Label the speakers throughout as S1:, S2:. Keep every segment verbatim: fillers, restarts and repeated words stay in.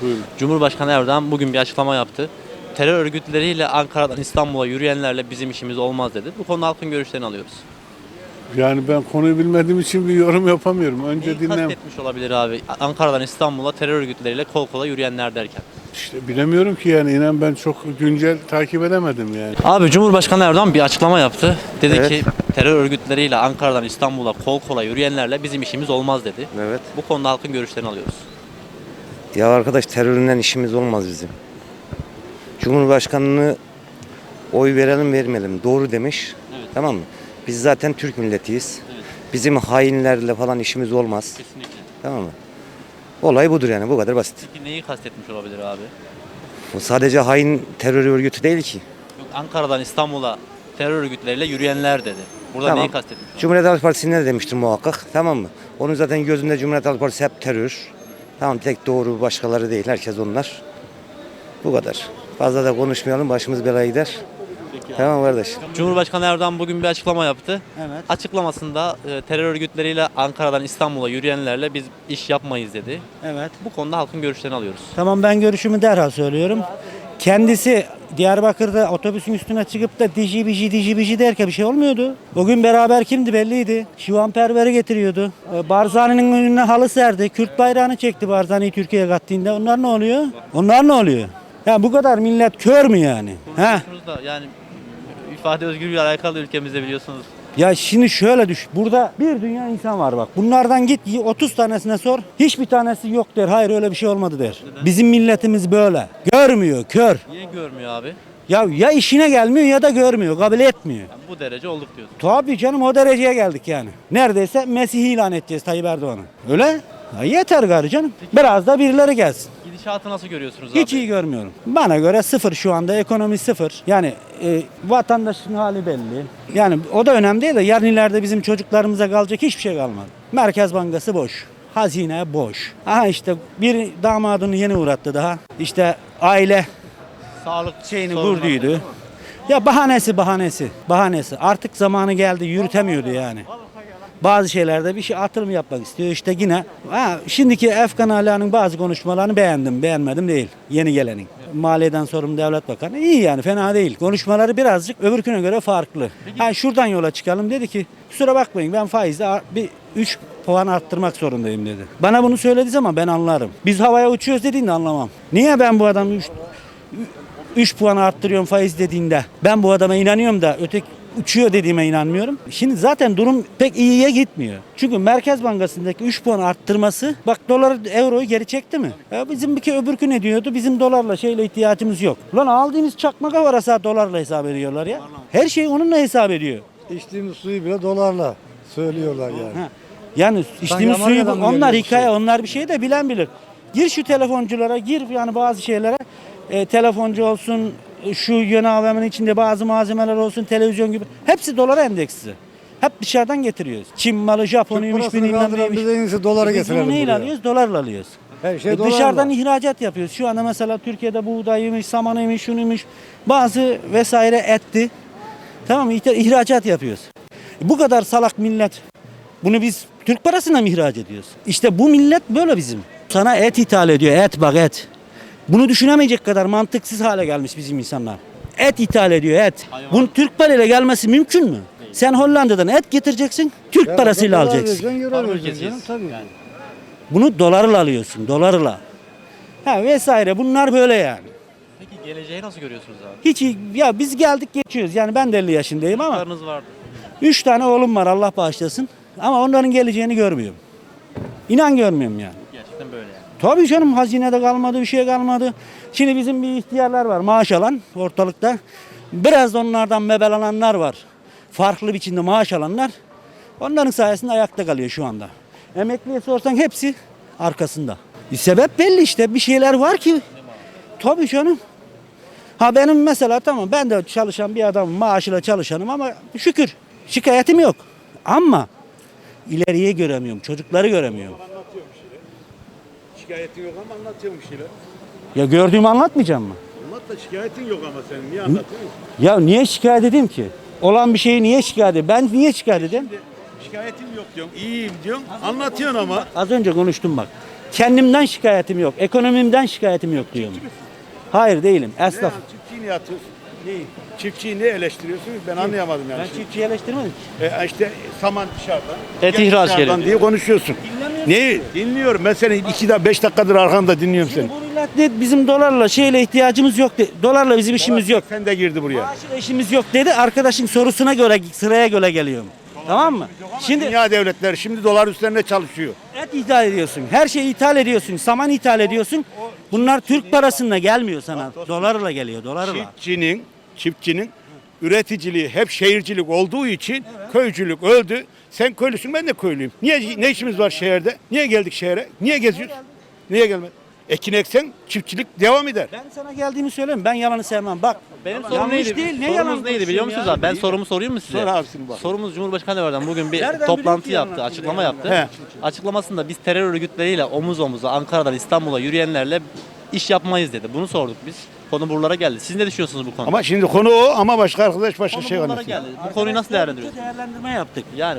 S1: Buyurun.
S2: Cumhurbaşkanı Erdoğan bugün bir açıklama yaptı. Terör örgütleriyle Ankara'dan İstanbul'a yürüyenlerle bizim işimiz olmaz dedi. Bu konuda halkın görüşlerini alıyoruz.
S1: Yani ben konuyu bilmediğim için bir yorum yapamıyorum. Önce
S2: Neyi
S1: dinlem.
S2: kastetmiş olabilir abi? Ankara'dan İstanbul'a terör örgütleriyle kol kola yürüyenler derken.
S1: İşte bilemiyorum ki yani inan ben çok güncel takip edemedim yani.
S2: Abi Cumhurbaşkanı Erdoğan bir açıklama yaptı. Dedi
S3: Evet.
S2: ki terör örgütleriyle Ankara'dan İstanbul'a kol kola yürüyenlerle bizim işimiz olmaz dedi.
S3: Evet.
S2: Bu konuda halkın görüşlerini alıyoruz.
S3: Ya arkadaş teröründen işimiz olmaz bizim. Cumhurbaşkanını oy verelim vermeyelim doğru demiş.
S2: Evet.
S3: Tamam mı? Biz zaten Türk milletiyiz.
S2: Evet.
S3: Bizim hainlerle falan işimiz olmaz.
S2: Kesinlikle.
S3: Tamam mı? Olay budur yani bu kadar basit.
S2: Peki neyi kastetmiş olabilir abi?
S3: Bu sadece hain terör örgütü değil ki.
S2: Yok, Ankara'dan İstanbul'a terör örgütleriyle yürüyenler dedi. Burada
S3: Tamam.
S2: neyi kastetmiş?
S3: Cumhuriyet Halk Partisi'nde de demiştir muhakkak. Tamam mı? Onun zaten gözünde Cumhuriyet Halk Partisi hep terör. Tamam tek doğru başkaları değil. Herkes onlar. Bu kadar. Fazla da konuşmayalım. Başımız belaya gider. Tamam kardeş.
S2: Cumhurbaşkanı Erdoğan bugün bir açıklama yaptı.
S4: Evet.
S2: Açıklamasında e, terör örgütleriyle Ankara'dan İstanbul'a yürüyenlerle biz iş yapmayız dedi.
S4: Evet.
S2: Bu konuda halkın görüşlerini alıyoruz.
S4: Tamam, ben görüşümü derhal söylüyorum. Kendisi Diyarbakır'da otobüsün üstüne çıkıp da dici bici dici bici derken bir şey olmuyordu. O gün beraber kimdi belliydi. Şivanperver'i getiriyordu. Ee, Barzani'nin önüne halı serdi. Kürt bayrağını çekti Barzani'yi Türkiye'ye kattığında. Onlar ne oluyor? Onlar ne oluyor? Ya bu kadar millet kör mü yani? Ha?
S2: Konuşuyorsunuz da yani ifade özgürlüğü alakalı ülkemizde biliyorsunuz.
S4: Ya şimdi şöyle düş. Burada bir dünya insan var bak. Bunlardan git otuz tanesine sor. Hiçbir tanesi yok der. Hayır öyle bir şey olmadı der.
S2: Neden?
S4: Bizim milletimiz böyle. Görmüyor, kör.
S2: Niye görmüyor abi?
S4: Ya ya işine gelmiyor ya da görmüyor, kabul etmiyor.
S2: Yani bu derece olduk diyorsun.
S4: Tabii canım, o dereceye geldik yani. Neredeyse Mesih'i ilan edeceğiz Tayyip Erdoğan'ı. Öyle? Ya yeter gari canım. Biraz da birileri gelsin.
S2: Gidişatı nasıl görüyorsunuz abi?
S4: Hiç iyi görmüyorum. Bana göre sıfır şu anda, ekonomi sıfır. Yani e, vatandaşın hali belli. Yani o da önemli değil de yarın ileride bizim çocuklarımıza kalacak hiçbir şey kalmadı. Merkez Bankası boş. Hazine boş. Aha işte bir damadını yeni uğrattı daha. İşte aile
S2: Sağlık
S4: şeyini
S2: sorunları var,
S4: vurduydu.
S2: değil mi?
S4: Ya bahanesi bahanesi. Bahanesi. Artık zamanı geldi, yürütemiyordu yani. Bazı şeylerde bir şey atılım yapmak istiyor. İşte yine ha, şimdiki Efkan Ala'nın bazı konuşmalarını beğendim. Beğenmedim değil. Yeni gelenin. Maliyeden sorumlu devlet bakanı iyi yani, fena değil. Konuşmaları birazcık öbürküne göre farklı. Ha, şuradan yola çıkalım, dedi ki kusura bakmayın ben faizde ar- bir üç puan arttırmak zorundayım dedi. Bana bunu söylediği zaman ben anlarım. Biz havaya uçuyoruz dediğinde anlamam. Niye ben bu adamı üç puan arttırıyorum faiz dediğinde ben bu adama inanıyorum da öteki uçuyor dediğime inanmıyorum. Şimdi zaten durum pek iyiye gitmiyor. Çünkü Merkez Bankası'ndaki üç puan arttırması bak doları euroyu geri çekti mi? Ya bizim bir ki öbürkü ne diyordu? Bizim dolarla şeyle ihtiyacımız yok. Lan aldığımız çakmak varasa dolarla hesap ediyorlar ya. Her şey onunla hesap ediyor.
S5: İçtiğimiz suyu bile dolarla söylüyorlar yani.
S4: Ha. Yani içtiğimiz suyu
S5: Amerika'dan mı
S4: onlar
S5: geliyor bu
S4: hikaye,
S5: su?
S4: onlar bir şey de bilen bilir. Gir şu telefonculara, gir yani bazı şeylere. E, telefoncu olsun, şu yön A V M'nin içinde bazı malzemeler olsun, televizyon gibi. Hepsi dolara endeksli. Hep dışarıdan getiriyoruz. Çin malı, Japonuymuş,
S5: Türk parasını
S4: bilmem
S5: kaldıran
S4: neymiş.
S5: bize en iyisi dolara
S4: E, biz
S5: getirelim
S4: bunu neyle
S5: buraya.
S4: alıyoruz? Dolarla alıyoruz.
S5: Her şey
S4: E,
S5: dolarla.
S4: dışarıdan ihracat yapıyoruz. Şu anda mesela Türkiye'de buğdayıymış, samanıymış, şunuymuş. Bazı vesaire etti. Tamam mı? İhra- İhracat yapıyoruz. E, bu kadar salak millet. Bunu biz Türk parasına mı ihraç ediyoruz? İşte bu millet böyle bizim. Sana et ithal ediyor. Et bak et. Bunu düşünemeyecek kadar mantıksız hale gelmiş bizim insanlar. Et ithal ediyor et.
S2: Hayvan.
S4: Bunun Türk parayla gelmesi mümkün mü? Sen Hollanda'dan et getireceksin, Türk
S5: Ya
S4: parasıyla
S5: dolar
S4: alacaksın.
S5: vereceksin, euro
S2: Var
S5: vereceksin
S2: ülkesiyiz.
S5: canım, tabii.
S2: Yani.
S4: Bunu dolarla alıyorsun, dolarla. Ha vesaire, bunlar böyle yani.
S2: Peki geleceği nasıl görüyorsunuz abi?
S4: Hiç iyi- ya biz geldik geçiyoruz. Yani ben de elli yaşındayım ama
S2: Çocuklarınız vardı.
S4: üç tane oğlum var, Allah bağışlasın. Ama onların geleceğini görmüyorum. İnan görmüyorum yani.
S2: Gerçekten böyle yani.
S4: Tabii canım, hazinede kalmadı, bir şey kalmadı. Şimdi bizim bir ihtiyarlar var, maaş alan ortalıkta. Biraz da onlardan mebelananlar var. Farklı biçimde maaş alanlar. Onların sayesinde ayakta kalıyor şu anda. Emekliye sorsan hepsi arkasında. E, sebep belli işte, bir şeyler var ki. Tabii canım. Ha benim mesela tamam, ben de çalışan bir adamım, maaşıyla çalışanım ama şükür şikayetim yok. Ama ileriye göremiyorum, çocukları göremiyorum.
S1: Şikayetin yok ama anlatıyorum bir şeyler.
S4: Ya gördüğümü anlatmayacağım mı?
S1: Anlat da şikayetin yok ama senin niye anlatıyorsun?
S4: Ya niye şikayet edeyim ki? Olan bir şeyi niye şikayet edeyim? Ben niye şikayet edeyim?
S1: Şikayetim yok diyorsun, iyiyim diyorsun, anlatıyorsun ama.
S4: Az önce konuştum bak. Kendimden şikayetim yok. Ekonomimden şikayetim yok diyorum. Hayır değilim. Esnaf.
S1: Çiftçiyi niye atıyorsun? Çiftçiyi niye eleştiriyorsunuz? Ben anlayamadım yani.
S4: Ben çiftçiyi eleştirmedim.
S1: E, işte saman dışarıdan.
S2: Et
S1: gel
S2: ihraç
S1: dışarıdan
S2: geliyor.
S1: diye konuşuyorsun. Neyi? Dinliyorum. Ben seni iki dakika, beş dakikadır arkanda dinliyorum seni.
S4: Şimdi bu millet de bizim dolarla şeyle ihtiyacımız yok dedi. Dolarla bizim işimiz yok.
S1: Sen de girdi buraya.
S4: Maaşla işimiz yok dedi. Arkadaşın sorusuna göre sıraya göre geliyorum. Tamam mı? Şimdi
S1: Dünya devletleri şimdi dolar üstlerine çalışıyor.
S4: et ithal ediyorsun. Her şeyi ithal ediyorsun. Saman ithal ediyorsun. Bunlar Türk parasıyla gelmiyor sana. Dolarla geliyor. Dolarla.
S1: Çiftçinin, çiftçinin üreticiliği hep şehircilik olduğu için köycülük öldü. Sen köylüsün, ben de köylüyüm. Niye ne işimiz var şehirde? Niye geldik şehre? Niye geziyoruz? Niye gelmedik? Ekin eksen çiftçilik devam eder.
S4: Ben sana geldiğimi söyleyeyim. Ben yalanı sevmem. Bak.
S2: Benim sorum
S4: yanlış
S2: neydi?
S4: değil. Ne
S2: Sorumuz
S4: yalan
S2: neydi biliyor musunuz abi? Ben sorumu sorayım mı size?
S1: Sor abisini bak.
S2: Sorumuz Cumhurbaşkanı Erdoğan bugün bir
S4: Nereden
S2: toplantı
S4: biliyor ki
S2: yaptı,
S4: yalan
S2: açıklama
S4: söylüyor
S2: yaptı.
S1: He.
S2: Açıklamasında biz terör örgütleriyle omuz omuza Ankara'dan İstanbul'a yürüyenlerle iş yapmayız dedi. Bunu sorduk biz. Konu buralara geldi. Siz ne düşünüyorsunuz bu konuda?
S1: Ama şimdi konu o ama başka arkadaş başka
S2: Konu
S1: şey
S2: buralara
S1: anlatıyor.
S2: geldi. Bu konuyu nasıl değerlendiriyorsunuz?
S4: Değerlendirme yaptık.
S2: Yani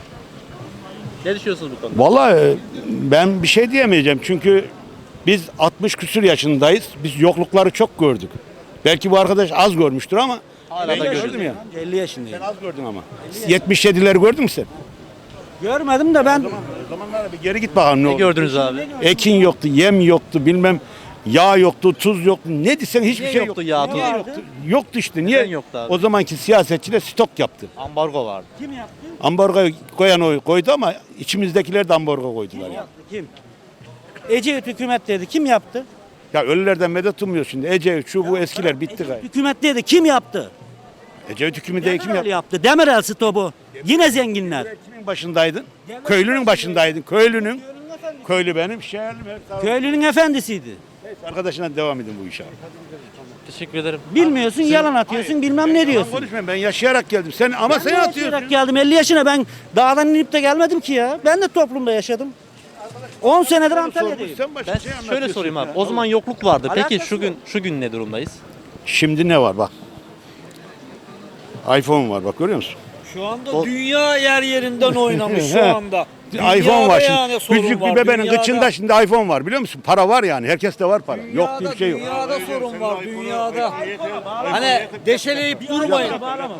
S2: ne düşünüyorsunuz bu konuda?
S1: Vallahi ben bir şey diyemeyeceğim çünkü biz altmış küsür yaşındayız. Biz yoklukları çok gördük. Belki bu arkadaş az görmüştür ama
S2: Hala
S1: ben
S2: da
S1: gördüm
S2: görüyoruz.
S1: ya.
S4: elli yaşındayım.
S1: Ben az gördüm ama. yetmiş yedileri gördün mü sen?
S4: Görmedim de ben
S1: O zamanlara bir geri git bakalım ne
S2: Ne
S1: oldu.
S2: gördünüz abi?
S1: Ekin yoktu, yem yoktu, bilmem yağ yoktu, tuz yoktu. Ne desen hiçbir
S2: Niye
S1: şey
S2: yoktu
S1: yoktu.
S2: yağ,
S1: Niye
S2: tuz?
S1: yoktu? Yoktu işte. Niye?
S2: Neden yoktu abi?
S1: O zamanki siyasetçiler stok yaptı.
S2: Ambargo vardı.
S4: kim yaptı?
S1: Ambargo koyan o koydu ama içimizdekiler de ambargo koydular.
S4: Kim
S1: Ya.
S4: yaptı? Kim? Ecevit hükümet dedi. Kim yaptı?
S1: ya ölülerden medet ummuyor şimdi. Ecevit şu bu eskiler bitti gayet.
S4: Hükümet dedi. Kim yaptı?
S1: Ecevit hükümeti kim
S4: Demirel
S1: yaptı?
S4: yaptı. Demirel stopu. Yine zenginler.
S1: Kimin başındaydın? Köylünün başındaydın. Köylünün. Köylü benim, şehirlim. her-
S4: Köylünün efendisiydi.
S1: Neyse, arkadaşına devam edin bu işe.
S2: Teşekkür ederim.
S4: Bilmiyorsun, yalan atıyorsun, bilmem ne
S1: Yalan
S4: diyorsun.
S1: konuşmayın, ben yaşayarak geldim. Sen ama
S4: Ben
S1: sen
S4: de
S1: atıyorsun.
S4: yaşayarak geldim. elli yaşına ben dağdan inip de gelmedim ki ya. Ben de toplumda yaşadım. on senedir Antalya'dayım.
S1: Sen başka
S2: Ben
S1: şey
S2: şöyle
S1: anlatıyorsun
S2: sorayım abi.
S1: ya.
S2: O zaman yokluk vardı. Peki
S4: Alakası
S2: şu gün şu gün ne durumdayız?
S1: Şimdi ne var bak. iPhone var bak görüyor musun?
S6: Şu anda dünya yer yerinden oynamış şu anda.
S1: iPhone var
S6: yani
S1: şimdi.
S6: sorun
S1: Küçük
S6: var,
S1: bir bebenin
S6: dünyada.
S1: kıçında şimdi iPhone var biliyor musun? Para var yani. Herkeste var para. Yok diye bir şey yok.
S6: Dünyada sorun var dünyada. Hani deşeleyip durmayın.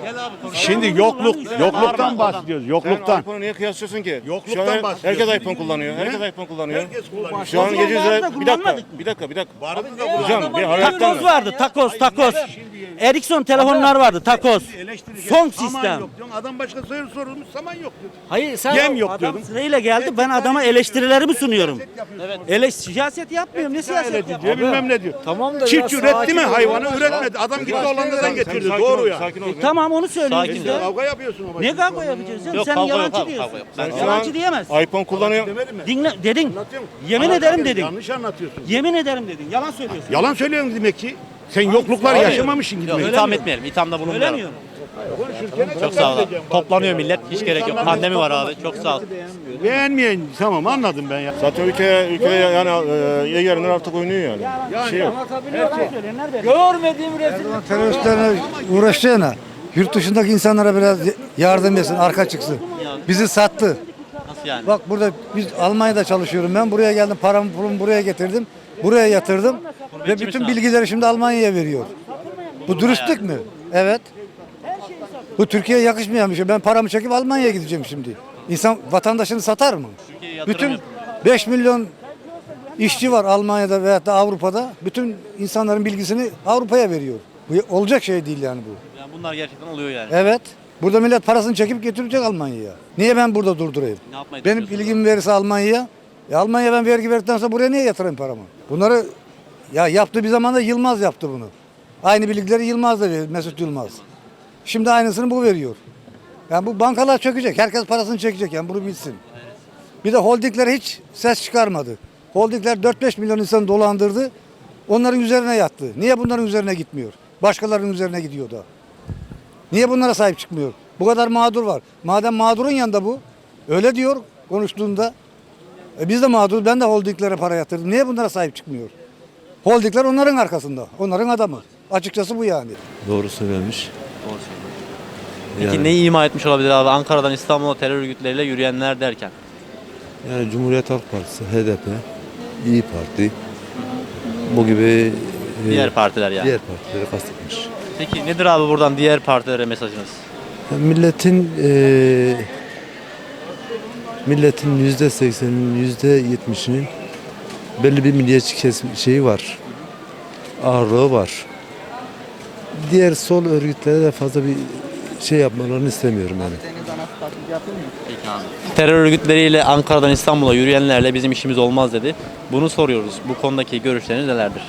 S1: Şimdi yokluk, yokluktan bahsediyoruz. Yokluktan.
S7: iPhone'u niye kıyaslıyorsun ki?
S1: Yokluktan
S7: Şu an
S1: bahsediyorsun.
S7: herkes iPhone kullanıyor. Herkes iPhone kullanıyor.
S1: Herkes kullanıyor.
S7: Şu an
S4: O
S7: gece
S4: zaman vardı da
S7: bir dakika,
S4: kullanmadık mı?
S7: bir dakika, bir dakika.
S1: Vardı da
S7: Hocam bir hayattan
S4: Takoz vardı, takoz, takoz. Ericsson telefonlar vardı, takoz. Son
S1: Saman
S4: sistem.
S1: yok diyorsun. Adam başka soru sorulmuş saman yok diyor.
S4: Hayır sen
S1: Yem yok
S4: adam
S1: diyordun.
S4: sırayla geldi. Ben adama eleştirilerimi sunuyorum. Ele siyaset yapmıyorum. Ne siyaset
S1: Öyle diyor,
S4: yapıyorum?
S1: bilmem ne diyor.
S6: Tamam da
S1: Çiftçi
S6: biraz
S1: üretti mi
S6: sakin ol.
S1: hayvanı? Üretmedi. Adam gitti Hollanda'dan getirdi. Doğru ya.
S7: Sakin ol.
S4: Tamam onu söylüyoruz
S2: Sakin
S4: biz de.
S1: Kavga yapıyorsun ama.
S4: Ne kavga yapacağız? Sen,
S2: Yok,
S4: sen
S2: kavga yok
S4: yalancı
S2: abi,
S4: diyorsun.
S2: kavga yok.
S4: Sen
S2: Ben-
S4: yalancı diyemez.
S7: iPhone kullanıyor.
S1: Demedim mi?
S4: Dinle dedin.
S1: Anlatıyor musun?
S4: Yemin
S1: Anlatıyor
S4: ederim
S1: musun?
S4: dedin.
S1: Yanlış anlatıyorsun.
S4: Yemin ederim dedin. Yalan söylüyorsun.
S1: Yalan söylüyorsun demek ki. Sen yokluklar
S4: Hayır.
S1: yaşamamışsın gibi.
S2: Yok, itham etmeyelim. İthamda bulunmayalım.
S4: Söylemiyorum.
S2: Çok sağ ol. Toplanıyor millet. Hiç gerek yok. Pandemi var abi. Çok sağ ol.
S1: Beğenmeyen tamam anladım ben ya.
S7: Zaten ülke ülke yani e, yerinden artık oynuyor yani. Bir şey yok.
S4: Yalan söylüyorlar be.
S6: Görmediğim resim.
S5: Teröristlerle uğraşacağına yurt dışındaki insanlara biraz yardım etsin, arka çıksın. Bizi sattı.
S2: Nasıl yani?
S5: Bak burada biz Almanya'da çalışıyorum ben. Buraya geldim, paramı pulumu buraya getirdim. Buraya yatırdım. Ve
S2: misin
S5: bütün
S2: abi?
S5: bilgileri şimdi Almanya'ya veriyor. Bu dürüstlük mü? Evet. Bu Türkiye'ye yakışmayan bir şey. Ben paramı çekip Almanya'ya gideceğim şimdi. İnsan vatandaşını satar mı?
S2: Türkiye'ye yatırım
S5: Bütün
S2: yapın.
S5: beş milyon işçi var Almanya'da veyahut da Avrupa'da. Bütün insanların bilgisini Avrupa'ya veriyor. Bu olacak şey değil yani bu.
S2: Yani bunlar gerçekten oluyor yani.
S5: Evet. Burada millet parasını çekip getirecek Almanya'ya. Niye ben burada durdurayım?
S2: Ne yapmayı
S5: Benim
S2: düşünüyorsunuz?
S5: ilgimi verirse Almanya'ya. E Almanya ben vergi verdikten sonra buraya niye yatırayım paramı? Bunları ya yaptı bir zamanda Yılmaz yaptı bunu. Aynı bilgileri Yılmaz da veriyor, Mesut Yılmaz. Şimdi aynısını bu veriyor. Yani bu bankalar çökecek. Herkes parasını çekecek yani bunu bilsin. Bir de holdingler hiç ses çıkarmadı. Holdingler dört beş milyon insan dolandırdı. Onların üzerine yattı. Niye bunların üzerine gitmiyor? Başkalarının üzerine gidiyor da. Niye bunlara sahip çıkmıyor? Bu kadar mağdur var. Madem mağdurun yanında bu. Öyle diyor konuştuğunda. E biz de mağdur. Ben de holdinglere para yatırdım. Niye bunlara sahip çıkmıyor? Holdingler onların arkasında. Onların adamı. Açıkçası bu yani.
S8: Doğru söylemiş.
S2: Peki
S8: Yani-
S2: neyi ima etmiş olabilir abi Ankara'dan İstanbul'a terör örgütleriyle yürüyenler derken?
S8: Yani Cumhuriyet Halk Partisi, H D P, İyi Parti, bu gibi e,
S2: Diğer partiler yani.
S8: diğer partileri kastetmiş.
S2: Peki nedir abi buradan diğer partilere mesajınız?
S8: Milletin e, milletin yüzde sekseninin, yüzde yetmişinin belli bir milliyetçi kesim şeyi var, ağırlığı var. Diğer sol örgütlere de fazla bir şey yapmalarını istemiyorum yani.
S2: Peki abi. Terör örgütleriyle Ankara'dan İstanbul'a yürüyenlerle bizim işimiz olmaz dedi. Bunu soruyoruz. Bu konudaki görüşleriniz nelerdir?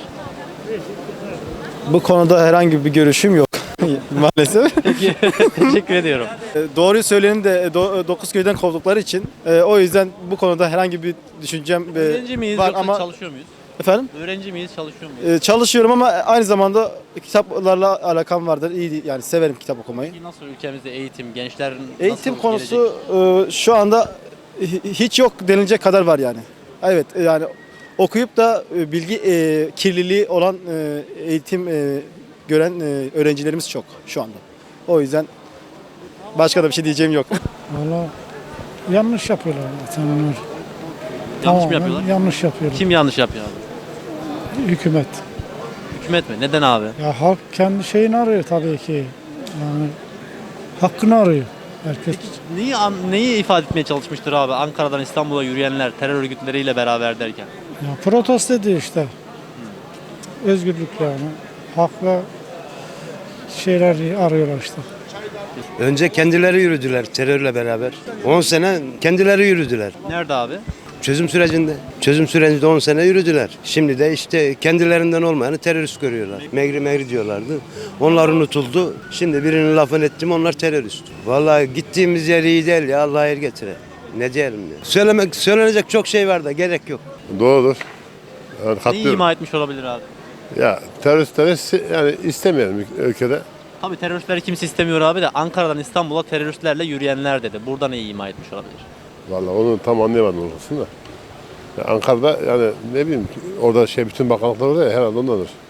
S9: Bu konuda herhangi bir görüşüm yok maalesef.
S2: Peki teşekkür ediyorum.
S9: Doğruyu söyleyenin de dokuz köyden kovdukları için e, o yüzden bu konuda herhangi bir düşüncem e,
S2: Öğrenci miyiz
S9: var
S2: yoksa
S9: ama
S2: çalışıyor muyuz?
S9: efendim
S2: Öğrenci miyiz, çalışıyor muyuz?
S9: e, çalışıyorum ama aynı zamanda kitaplarla alakam vardır. İyi yani severim kitap okumayı.
S2: Peki nasıl ülkemizde eğitim, gençlerin
S9: Eğitim
S2: nasıl
S9: konusu
S2: gelecek?
S9: e, şu anda hi- hiç yok denilecek kadar var yani. Evet e, yani okuyup da e, bilgi e, kirliliği olan e, eğitim e, gören e, öğrencilerimiz çok şu anda. O yüzden başka da bir şey diyeceğim yok.
S10: Valla yanlış yapıyorlar zaten onlar.
S2: Yanlış
S10: Tamamen
S2: mı yapıyorlar?
S10: Yanlış yapıyorlar.
S2: Kim yanlış yapıyor abi?
S10: Hükümet.
S2: Hükümet mi? Neden abi?
S10: Ya halk kendi şeyini arıyor tabii ki. Yani hakkını arıyor herkes.
S2: Neyi, an- neyi ifade etmeye çalışmıştır abi Ankara'dan İstanbul'a yürüyenler terör örgütleriyle beraber derken?
S10: Ya protesto ediyor işte. Özgürlük yani. Hak ve şeyler arıyorlar işte.
S3: Önce kendileri yürüdüler terörle beraber. on sene kendileri yürüdüler.
S2: Nerede abi?
S3: Çözüm sürecinde. Çözüm sürecinde on sene yürüdüler. Şimdi de işte kendilerinden olmayanı terörist görüyorlar. Megri megri diyorlardı. Onlar unutuldu. Şimdi birinin lafını ettim onlar terörist. Vallahi gittiğimiz yer iyi değil ya Allah hayır getire. Ne diyelim ya. Söylemek, söylenecek çok şey var da gerek yok.
S7: Doğrudur. Yani
S2: Neyi
S7: katılıyorum.
S2: ima etmiş olabilir abi?
S7: Ya teröristleri si- yani istemeyelim ülkede.
S2: Tabii teröristleri kimse istemiyor abi de Ankara'dan İstanbul'a teröristlerle yürüyenler dedi. Burada neyi ima etmiş olabilir?
S7: Vallahi onu tam anlayamadım orasını da. Ya Ankara'da yani ne bileyim orada şey bütün bakanlıklar var ya herhalde ondadır.